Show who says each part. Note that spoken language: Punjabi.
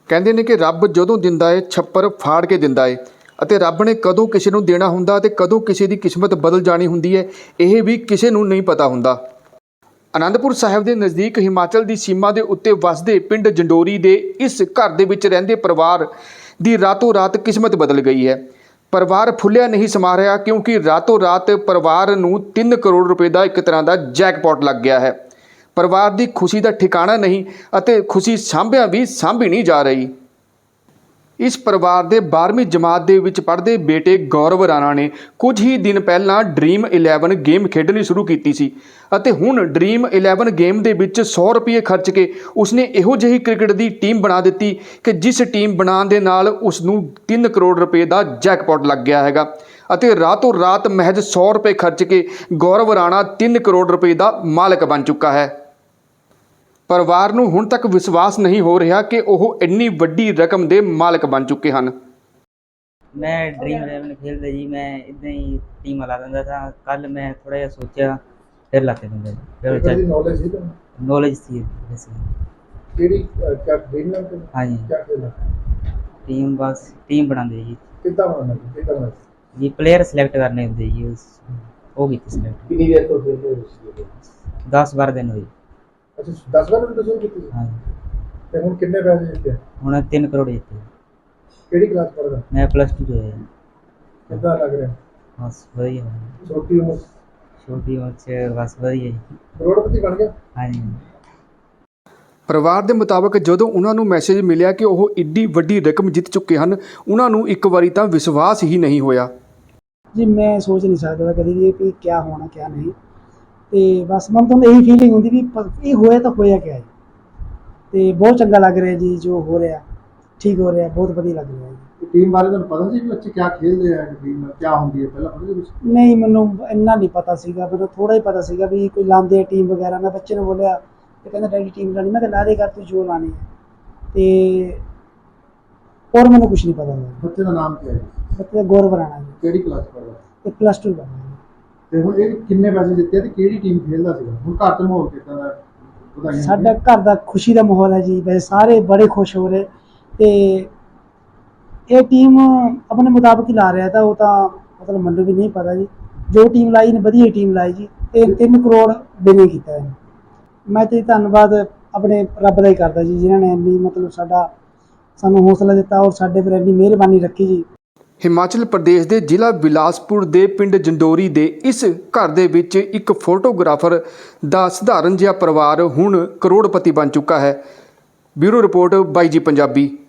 Speaker 1: ਕਹਿੰਦੇ ਨੇ ਕਿ ਰੱਬ ਜਦੋਂ ਦਿੰਦਾ ਹੈ ਛੱਪਰ ਫਾੜ ਕੇ ਦਿੰਦਾ ਹੈ ਅਤੇ ਰੱਬ ਨੇ ਕਦੋਂ ਕਿਸੇ ਨੂੰ ਦੇਣਾ ਹੁੰਦਾ ਅਤੇ ਕਦੋਂ ਕਿਸੇ ਦੀ ਕਿਸਮਤ ਬਦਲ ਜਾਣੀ ਹੁੰਦੀ ਹੈ ਇਹ ਵੀ ਕਿਸੇ ਨੂੰ ਨਹੀਂ ਪਤਾ ਹੁੰਦਾ। ਅਨੰਦਪੁਰ ਸਾਹਿਬ ਦੇ ਨਜ਼ਦੀਕ ਹਿਮਾਚਲ ਦੀ ਸੀਮਾ ਦੇ ਉੱਤੇ ਵਸਦੇ ਪਿੰਡ ਜੰਡੋਰੀ ਦੇ ਇਸ ਘਰ ਦੇ ਵਿੱਚ ਰਹਿੰਦੇ ਪਰਿਵਾਰ ਦੀ ਰਾਤੋਂ ਰਾਤ ਕਿਸਮਤ ਬਦਲ ਗਈ ਹੈ। ਪਰਿਵਾਰ ਫੁੱਲਿਆ ਨਹੀਂ ਸਮਾ ਰਿਹਾ ਕਿਉਂਕਿ ਰਾਤੋਂ ਰਾਤ ਪਰਿਵਾਰ ਨੂੰ 3 ਕਰੋੜ ਰੁਪਏ ਦਾ ਇੱਕ ਤਰ੍ਹਾਂ ਦਾ ਜੈਕਪਾਟ ਲੱਗ ਗਿਆ ਹੈ। ਪਰਿਵਾਰ ਦੀ ਖੁਸ਼ੀ ਦਾ ਠਿਕਾਣਾ ਨਹੀਂ ਅਤੇ ਖੁਸ਼ੀ ਸਾਂਭੀ ਨਹੀਂ ਜਾ ਰਹੀ। ਇਸ ਪਰਿਵਾਰ ਦੇ 12ਵੀਂ ਜਮਾਤ ਦੇ ਵਿੱਚ ਪੜ੍ਹਦੇ ਬੇਟੇ ਗੌਰਵ ਰਾਣਾ ਨੇ ਕੁਝ ਹੀ ਦਿਨ ਪਹਿਲਾਂ ਡ੍ਰੀਮ 11 ਗੇਮ ਖੇਡਣੀ ਸ਼ੁਰੂ ਕੀਤੀ ਸੀ ਅਤੇ ਹੁਣ ਡ੍ਰੀਮ 11 ਗੇਮ ਦੇ ਵਿੱਚ 100 ਰੁਪਏ ਖਰਚ ਕੇ ਉਸਨੇ ਇਹੋ ਜਿਹੀ ਕ੍ਰਿਕਟ ਦੀ ਟੀਮ ਬਣਾ ਦਿੱਤੀ ਕਿ ਜਿਸ ਟੀਮ ਬਣਾਉਣ ਦੇ ਨਾਲ ਉਸ ਨੂੰ 3 ਕਰੋੜ ਰੁਪਏ ਦਾ ਜੈਕਪਾਟ ਲੱਗ ਗਿਆ ਹੈਗਾ ਅਤੇ ਰਾਤੋਂ ਰਾਤ ਮਹਿਜ਼ 100 ਰੁਪਏ ਖਰਚ ਕੇ ਗੌਰਵ ਰਾਣਾ 3 ਕਰੋੜ ਰੁਪਏ ਦਾ ਮਾਲਕ ਬਣ ਚੁੱਕਾ ਹੈ। ਪਰਿਵਾਰ ਨੂੰ ਹੁਣ ਤੱਕ ਵਿਸ਼ਵਾਸ ਨਹੀਂ ਹੋ ਰਿਹਾ ਕਿ ਉਹ ਇੰਨੀ ਵੱਡੀ ਰਕਮ ਦੇ ਮਾਲਕ ਬਣ ਚੁੱਕੇ ਹਨ।
Speaker 2: मैं ड्रीम 11 खेलते जी, मैं इतना ही टीम ला दिंदा था। कल मैं थोड़ा जिहा सोचा फिर लाते दिंदा जी।
Speaker 3: नॉलेज है
Speaker 2: नॉलेज थी वैसे।
Speaker 3: केड़ी क्या ड्रीम नाम के
Speaker 2: हाँ जी,
Speaker 3: क्या खेलना
Speaker 2: टीम बस टीम बनाते जी।
Speaker 3: कितना बनाना
Speaker 2: जी प्लेयर सिलेक्ट करने होंगे जी, वो भी सिलेक्ट।
Speaker 3: कितनी देर तो खेलते हो?
Speaker 2: 10-12 दिन हुए।
Speaker 3: अच्छा 10 मिनट तो कितनी
Speaker 2: हाँ
Speaker 3: ते हुन कितने पैसे जीते?
Speaker 2: हुण 3 करोड़ जीते।
Speaker 3: केड़ी क्लास पढ़दा?
Speaker 2: मैं +2 जो है।
Speaker 3: कितना लग रहा है?
Speaker 2: बस वही है,
Speaker 3: छोटी उम्र
Speaker 2: छोटी उम्र से बस वही है।
Speaker 3: करोड़पति बन गया?
Speaker 2: हाँ जी।
Speaker 1: ਪਰਿਵਾਰ ਦੇ ਮੁਤਾਬਕ ਜਦੋਂ ਉਹਨਾਂ ਨੂੰ ਮੈਸੇਜ ਮਿਲਿਆ ਕਿ ਉਹ ਇੱਡੀ ਵੱਡੀ ਰਕਮ ਜਿੱਤ ਚੁੱਕੇ ਹਨ ਉਹਨਾਂ ਨੂੰ ਇੱਕ ਵਾਰੀ ਤਾਂ ਵਿਸ਼ਵਾਸ ਹੀ ਨਹੀਂ ਹੋਇਆ।
Speaker 4: जी मैं सोच नहीं सकता कभी भी कि क्या होना क्या नहीं, तो बस मन तो यही फीलिंग होती भी ये होया तो होया क्या है, तो बहुत चंगा लग रहा है जी जो हो रहा ठीक हो रहा है, बहुत बढ़िया लग रहा है जी।
Speaker 3: टीम बारे तो पता सी बच्चे क्या खेल रहे हैं, टीम क्या होती है पहला पता कुछ?
Speaker 4: नहीं मैनू इन्ना नहीं पता सीगा, मैनू थोड़ा ही पता सीगा भी कोई लाते टीम वगैरह। मैं बच्चे ने बोलिया तो कहना डैडी टीम लानी, मैं ला दे कर तू जो लानी है, तो और मैंने कुछ नहीं पता।
Speaker 3: बच्चे का नाम क्या है?
Speaker 4: बच्चे का गौरव राणा जी,
Speaker 3: केड़ी क्लास पढ़दा?
Speaker 4: एक +2 बना जी।
Speaker 3: ਤੇ ਹੁਣ ਇਹ ਕਿੰਨੇ ਪੈਸੇ ਜਿੱਤੇ ਤੇ ਕਿਹੜੀ ਟੀਮ ਖੇਡਦਾ ਸੀਗਾ? ਹੁਣ ਘਰ ਤੇ ਮਾਹੌਲ ਕਿੱਦਾਂ ਦਾ? ਵਧਾਈਆਂ
Speaker 4: साडा घर का खुशी का माहौल है जी, वैसे सारे बड़े खुश हो रहे, तो ये टीम अपने मुताबिक ही ला रहा था, वो तो मतलब मैनू भी नहीं पता जी। जो टीम लाई ने वधिया टीम लाई जी, 3 करोड़ विन किया है। मैं तो धन्नवाद अपने रब का ही करता जी जिन्होंने इन्नी मतलब सानू हौसला दिता और साडे पर इन्नी मेहरबानी रखी जी।
Speaker 1: ਹਿਮਾਚਲ ਪ੍ਰਦੇਸ਼ ਦੇ ਜ਼ਿਲ੍ਹਾ ਬਿਲਾਸਪੁਰ ਦੇ ਪਿੰਡ ਜੰਡੋਰੀ ਦੇ ਇਸ ਘਰ ਦੇ ਵਿੱਚ ਇੱਕ ਫੋਟੋਗ੍ਰਾਫਰ ਦਾ ਸਧਾਰਨ ਜਿਹਾ ਪਰਿਵਾਰ ਹੁਣ ਕਰੋੜਪਤੀ ਬਣ ਚੁੱਕਾ ਹੈ। ਬਿਊਰੋ ਰਿਪੋਰਟ ਬਾਈ ਜੀ ਪੰਜਾਬੀ।